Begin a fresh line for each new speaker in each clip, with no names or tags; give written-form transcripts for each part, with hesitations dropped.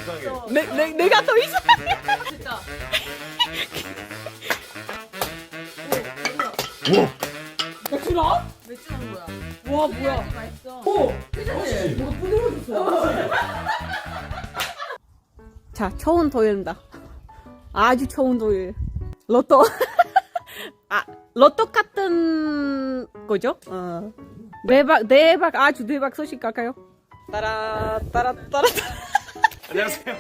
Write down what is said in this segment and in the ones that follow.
이상해.
내가 더 이상.
진짜.
우와.
맥주나?
맥주 나온 거야.
와 뭐야?
맛있어.
오.
그치?
뭐가 부드러워졌어. 자, 처음 토요일입니다. 아주 처음 토요일. 로또. 아, 로또 같은 거죠? 대박, 아주 대박 소식 갈까요? 따라.
안녕하세요.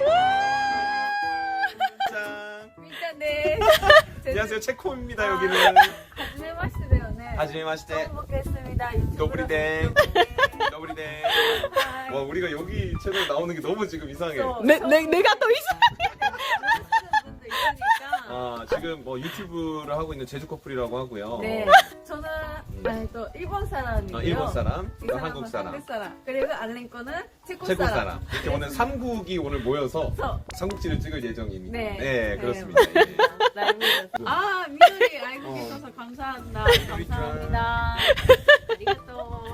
짠.
민짜네.
안녕하세요. 체코입니다. 여기는.
하지메 마시대요, 네.
하지메 마시테.
처음 먹겠습니다.
더블이댕. 더블이댕. 와, 우리가 여기 채널 나오는 게 너무 지금 이상해.
내가 더 이상.
아, 지금 뭐 유튜브를 하고 있는 제주 커플이라고 하고요.
네. 저는 또 일본 사람이고요.
일본 사람,
이
이거
사람은
한국 사람.
한국 사람. 그리고 알렌 거는 체코
체코
사람.
사람. 이렇게 오늘 3국이 오늘 모여서
그래서
삼국지를 찍을 예정입니다.
네.
네, 그렇습니다. 예.
아, 미누리 알고 계셔서 감사합니다. 감사합니다. 아리가또.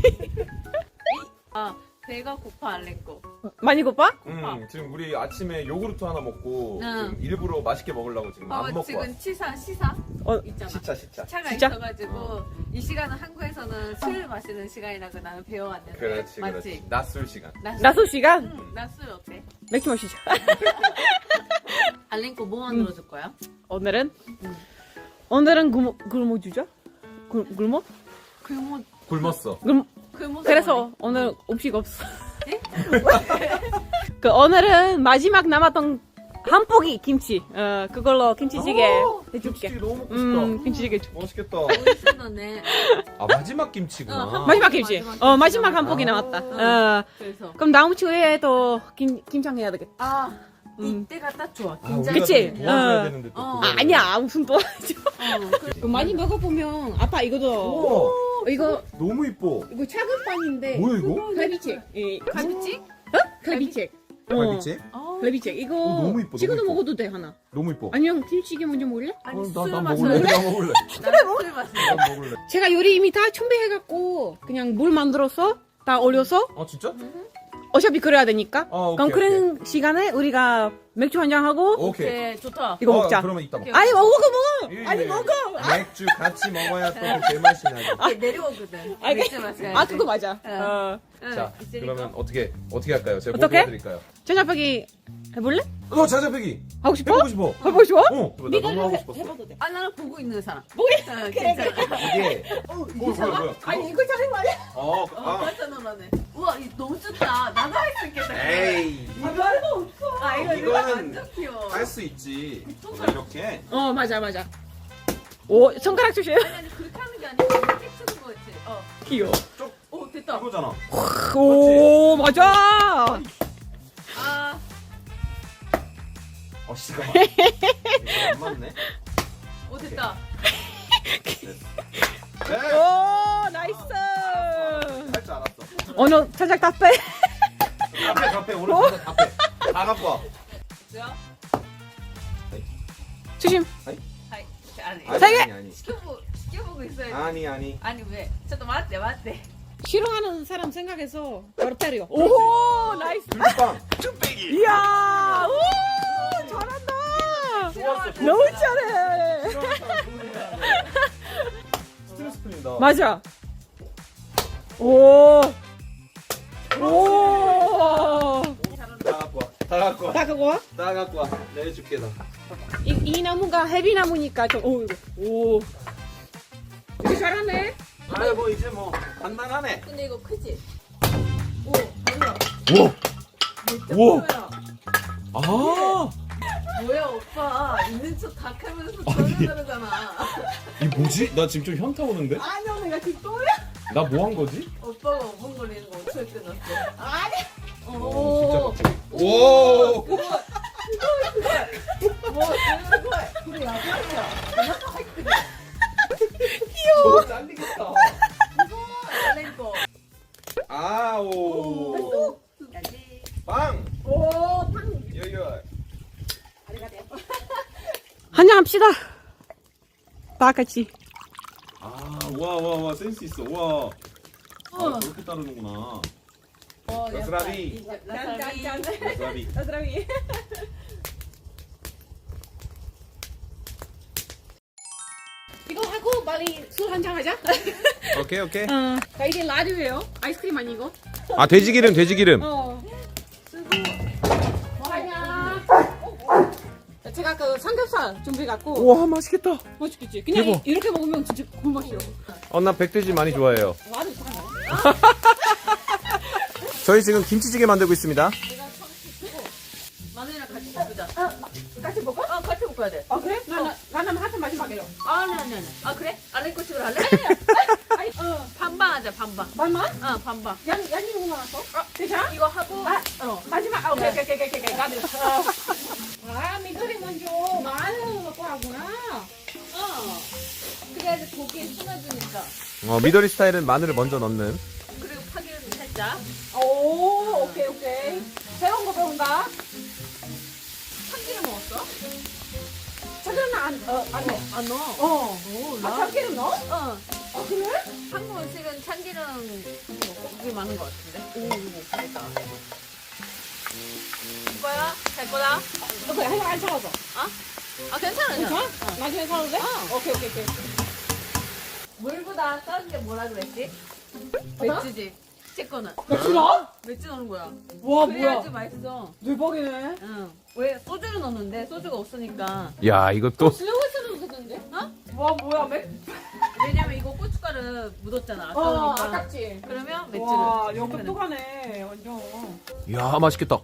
아, 배가 고파 알렌 거.
많이 고파?
지금 우리 아침에 요구르트 하나 먹고
응.
지금 일부러 맛있게 먹으려고 지금 안 먹고
지금
왔어.
시사 있잖아.
시차.
차가
진짜?
있어가지고 이 시간은 한국에서는 술 마시는 시간이라고 나는 배워왔는데
그렇지,
맞지?
그렇지. 낮술 시간.
나소 시간?
낮술 어때?
맥주 마시죠.
알렌코 뭐 만들어줄 거야?
오늘은 굶어 주죠? 굶어?
굶었어.
그래서 오늘 음식 없어. 그 오늘은 마지막 남았던 한 포기 김치. 그걸로 김치찌개 해줄게.
김치찌개 너무 먹고 싶다.
김치찌개 해줄게.
맛있겠다.
멋있었네.
아, 마지막 김치구나.
마지막 김치. 마지막 한 포기 남았다.
그래서
그럼 다음 주에 또 김장 해야 되겠다.
이때가 딱 좋아.
아,
긴장.
우리가
그치?
좀 도와줘야
어.
되는데 또
어.
그거를.
아니야 무슨 도와줘.
그래.
많이 먹어보면 아빠 이거도
우와,
이거
너무 이뻐.
이거 작은 빵인데
뭐야 이거?
갈비찜.
갈비찜?
갈비찜.
갈비찜?
갈비찜 이거
너무 이뻐,
지금도
너무 이뻐.
먹어도 돼 하나.
너무 이뻐.
아니면 김치찌개 먼저 먹을래?
아니
난
술
먹을래.
마셔.
나 먹을래.
술 마셔.
난 먹을래.
제가 요리 이미 다 준비해갖고 그냥 물 만들어서 다 올려서
아, 진짜?
어차피 그래야 되니까.
오케이,
그럼 그런 시간에 우리가 맥주 한잔 하고
오케이.
오케이 좋다.
이거 먹자.
그러면 이따 먹자.
아니 먹어.
예,
아니
예.
먹어.
맥주 같이 먹어야 또 그 제맛이 나죠.
내려오거든.
아,
맥주 마셔야지.
아 그거 맞아.
응,
자,
있으니까.
그러면 어떻게 할까요? 제가 뭐
어떻게?
도와드릴까요?
저녁배기 해볼래?
자자배기
하고 싶어?
해보고 싶어.
해보고 싶어?
나 너무 하고 싶었어.
해봐도 돼.
아 나는 보고 있는 사람.
뭐야?
괜찮아.
이게 뭐야?
아니 이거 잘한 거 아니야?
깜짝 놀라네. 우와 이거 너무 좋다. 나도 할 수 있겠다.
에이,
말도 없어.
아 이거
이거는
완전 귀여워.
할 수 있지. 이렇게.
맞아. 오 손가락 조심.
아니 그렇게 하는 게 아니고 이렇게 쓰는 거였지.
귀여워.
오 됐다.
이거잖아.
오 맞아.
아
씨가 이거 안 맞네.
오 됐다.
네.
오 나이스.
할 줄 알았어.
오늘 살짝 다 빼.
카페 오늘 진짜 다 빼. 다 갖고 와.
뭐야?
조심.
아니
세 개.
아니.
시켜보고 있어야지.
아니.
아니 왜? 저도 맞대.
싫어하는 사람 생각해서 바로 때려. 오 나이스.
빵. 쭈빼기.
이야. 오 잘한다.
좋았어.
너무 잘해.
스트레스 풀린다.
맞아. 오.
다 갖고 와.
다 그거 와?
다 갖고 와. 내줄게 나.
이 나무가 헤비나무니까 좀 오. 되게 잘하네.
뭐 이제 뭐 간단하네.
근데 이거 크지? 오 뭐야?
우와. 우와. 아.
뭐야 오빠 있는 척 다 하면서 전화하잖아.
이 뭐지? 나 지금 좀 현타 오는데?
아니야 내가 지금 또야?
나 뭐 한 거지?
오빠가 5분 걸리는 거 5초에 끝났어.
아니.
오.
진짜 갑자기. 오.
뭐 그런 거야? 그래 야구야. 내가 할 거야.
귀여워. 잘리겠다.
거.
아오.
야지.
빵.
오 팡.
여여.
한잔 합시다. 다 같이.
와 센스 있어. 와. 아, 저렇게 따르는구나. 라스라비.
짠짠짠.
라스라비.
라스라비. 이거 하고 빨리 술 한잔 하자.
오케이 오케이.
자 이게 라디오예요. 아이스크림 아니고.
아 돼지기름 돼지기름.
쓰고 뭐 하냐? 제가 그 삼겹살 준비해 갖고.
우와 맛있겠다.
맛있겠지. 그냥
대박.
이렇게 먹으면 진짜 꿀맛이요.
나 백돼지 많이 좋아해요.
와도 이상하네.
저희 지금 김치찌개 만들고 있습니다.
마늘이랑 같이 볶자.
같이 먹어?
같이 볶아야 돼.
아 그래? 나는 하트 마지막에요.
네. 아 그래? 아래꼬집으로 할래?
아니,
반반 하자 반반.
반만?
반반.
양이 너무 많았어? 괜찮아?
이거 하고
마지막. 오케이. 나도. 미도리 먼저 마늘 넣고 하구나.
그래야지 고기에 숨어주니까.
미더리 스타일은 마늘을 먼저 넣는.
그리고 파기름 살짝.
오, 오케이. 새로운 거 배운다.
참기름 먹었어?
참기름 안 넣어.
안 넣어.
참기름 넣어? 그래?
한국 음식은 참기름이 많은 것 같은데. 이거 이거야? 될 거다?
그래, 안 차가서.
괜찮아.
괜찮아? 나중에 사도 돼? 오케이.
물보다 다른 게 뭐라 그랬지? 맥주지. 제 거는.
맥주 넣어?
맥주 넣는 거야.
와,
그래야지 맛있어.
대박이네.
응. 왜 소주를 넣는데 소주가 없으니까.
야 이것도
슬로우스로 쓰던데? 와, 뭐야,
왜냐면 이거 고춧가루 묻었잖아. 아까우니까.
아깝지.
그러면 맥주를.
와, 역똑똑하네, 완전.
야 맛있겠다.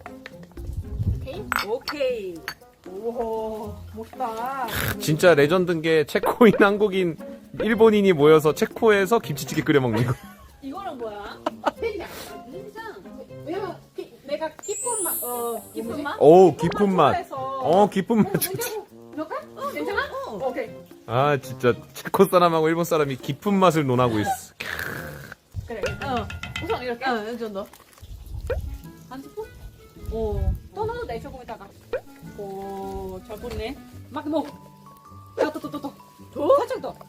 오케이.
오, 멋있다.
진짜 레전드인 게 체코인 한국인 일본인이 모여서 체코에서 김치찌개 끓여 먹는 거.
이거는 뭐야?
된장. 왜냐면 내가 깊은 맛,
깊은 맛?
오 깊은 맛.
좋아해서.
깊은 맛.
넣을까? 괜찮아? 오케이.
아 진짜 체코 사람하고 일본 사람이 깊은 맛을 논하고 있어.
그래. 우선 이렇게.
이 정도.
한 스푼? 또 넣어도 돼, 조금 있다가. 오, 잘 꽂네. 막 넣어. 또. 살짝 더.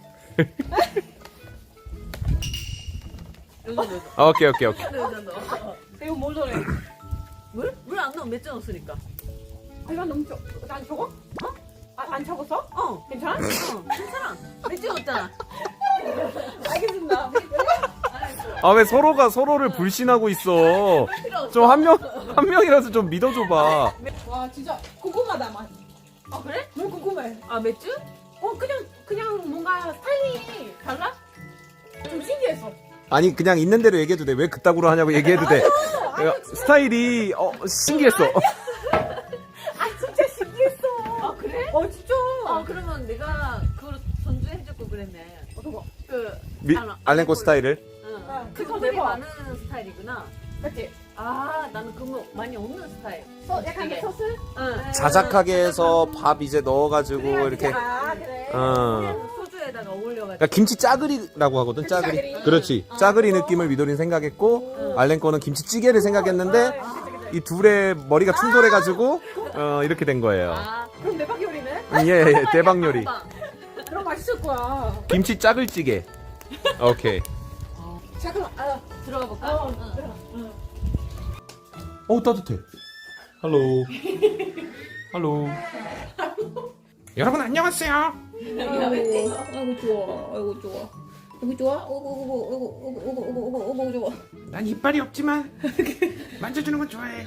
이 정도.
오케이.
이 정도.
이거 뭘 넣어?
물? 물 안 넣으면 맥주 넣었으니까.
이건 너무 안 적어? 안 적었어? 괜찮아?
괜찮아. 맥주 넣었잖아.
알겠습니다.
아 왜 서로가 서로를 불신하고 있어. 좀 한 명이라도 좀 믿어줘봐.
와, 진짜 궁금하다, 맛.
그래?
너무 궁금해.
맥주?
그냥 뭔가 스타일이 달라? 좀 신기했어.
아니 그냥 있는 대로 얘기해도 돼. 왜 그따구로 하냐고 얘기해도 돼.
아니,
스타일이 신기했어.
진짜 신기했어.
그래?
진짜.
그러면 내가 그걸 전주해줬고 그랬네.
어떤 거?
알렌코 스타일을.
그거
그들이
대박.
많은 스타일이구나.
맞지?
나는 그거 많이 없는 스타일.
약간
되게.
소스?
자작하게 해서 밥 이제 넣어가지고 이렇게.
그래.
소주에다가 어울려가지고.
그러니까 김치 짜그리라고 하거든. 짜그리.
짜그리.
그렇지. 짜그리 느낌을 미도린 생각했고 알렌코는 김치찌개를 생각했는데 이 둘의 머리가 충돌해가지고 이렇게 된 거예요.
그럼 대박 요리네?
예, 대박 요리.
그럼 맛있을 거야.
김치 짜글찌개. 오케이.
자, 그럼,
들어가 볼까?
따뜻해. 할로. 여러분 안녕하세요.
아이고, 좋아. 이거 좋아? 오고, 좋아.
난 이빨이 없지만 만져주는 건 좋아해.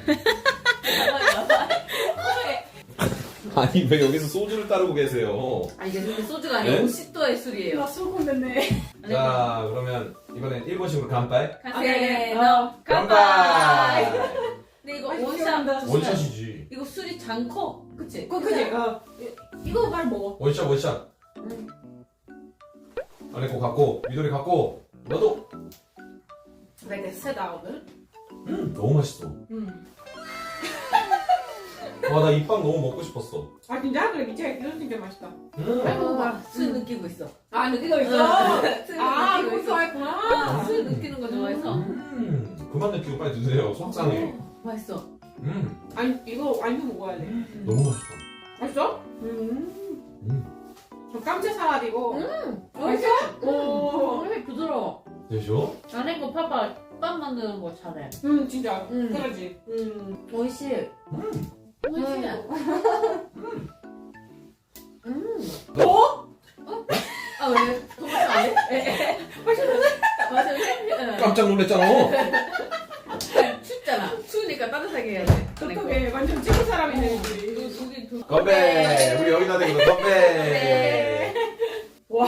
아니 왜 여기서 소주를 따르고 계세요?
이게 근데 소주가 아니라
네?
50도의 술이에요.
술꾼 됐네.
자 그러면 이번엔 일본식으로 간파이.
간파이. 근데 이거
원샷.
원샷이지.
이거 술이 잔커. 그치?
그지? 이거 말 먹어.
원샷. 알레코 갖고 미도리 갖고 너도.
되게 세다, 오늘.
너무 맛있어. 와 나 이 빵 너무 먹고 싶었어.
진짜? 그래, 미치게 이런 진짜 맛있다.
술 느끼고 있어.
느끼고 있어?
술
이거
느끼고 있어.
좋아했구나.
술 느끼는 거 좋아해서.
그만 느끼고 빨리 드세요. 속상해.
맛있어.
이거 완전 먹어야 돼.
너무 맛있다.
맛있어? 저 깜짝 살아디고. 맛있어? 오.
되게 부드러워.
되죠?
안에 거 봐봐. 덮밥 만드는 거 잘해.
진짜.
음.
그러지.
오이시. 오이시.
어?
아 왜? 도마토 안 해? 맞아.
깜짝 놀랐잖아.
춥잖아. 추우니까 따뜻하게 해야 돼.
어떡해. 완전 찍은 사람이네, 우리.
건배. 우리 여기다 대고 건배.
네.
와.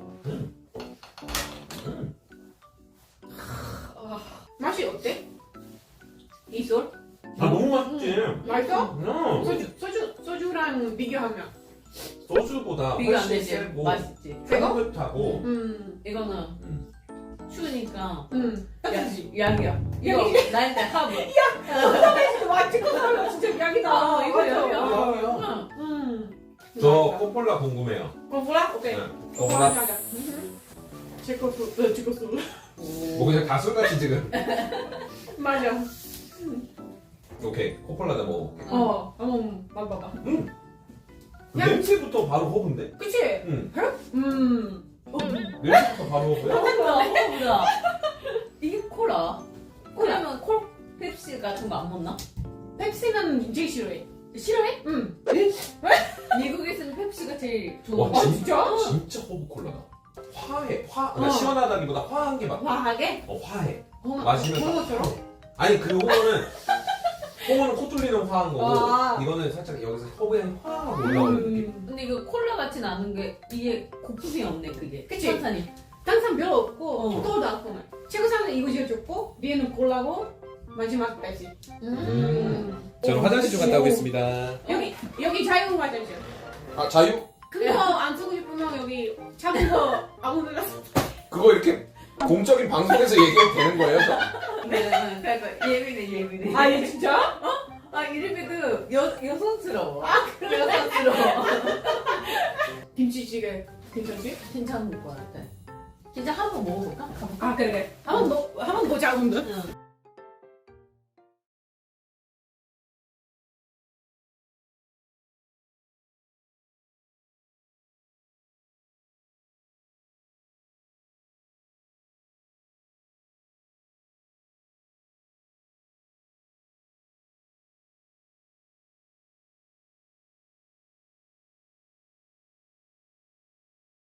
맛이 어때? 이솔?
아 너무 맛있지.
맛있어?
응.
소주랑 비교하면.
소주보다
비교 안
훨씬
되지.
세고
맛있지.
세고?
향긋하고.
이거는 추우니까
딱이지.
약이야. 이거 나한테 하부.
와, 찍은 사람 진짜 약이다.
이거 약이야.
약이야.
저 코폴라 궁금해요.
거부라? 오케이.
네. 거부라.
하자. 제 것도, 제 것도.
뭐 그냥 다 술같이 지금.
맞아.
오케이 코폴라다 먹어볼게.
한번 맛봐봐. 야.
냄새부터 바로 허브인데?
그치?
응. 냄새부터 바로 허브야?
뭐야? 이게 콜라? 그러면 펩시 같은 거 안 먹나?
펩시는 제일 싫어해.
싫어해?
응.
미국에서는 펩시가 제일 좋은
와
거.
진짜?
진짜 허브 콜라다. 화해. 그러니까 시원하다기보다 화한 게 맞다.
과하게?
화해.
홍어-
마시면
홍어처럼?
아니 그 홍어는 코 뚫리는 화한 거고
아.
이거는 살짝 여기서 허브 향이 화하고 올라오는 느낌.
근데 이거 콜라 같진 않은 게 이게 고품이 없네 그게.
그치?
탄산이.
탄산 별로 없고
어.
토도 않고 최고산은 이거 제일 좋고 위에는 콜라고 마지막 펩시.
저는 화장실 좀 갔다 오겠습니다.
여기 자유 화장실.
아 자유?
큰 거 안 쓰고 싶으면 여기 작은 거 아무데나 써.
그거 이렇게 공적인 방송에서 얘기해도 되는 거예요?
네, 그러니까 예민해.
아, 얘 진짜?
아 이름이도 여성스러워. 여성스러워.
김치찌개 괜찮지?
괜찮을 것 같아. 진짜 한번 먹어볼까?
아, 그래. 한번 보자, 오늘.
응.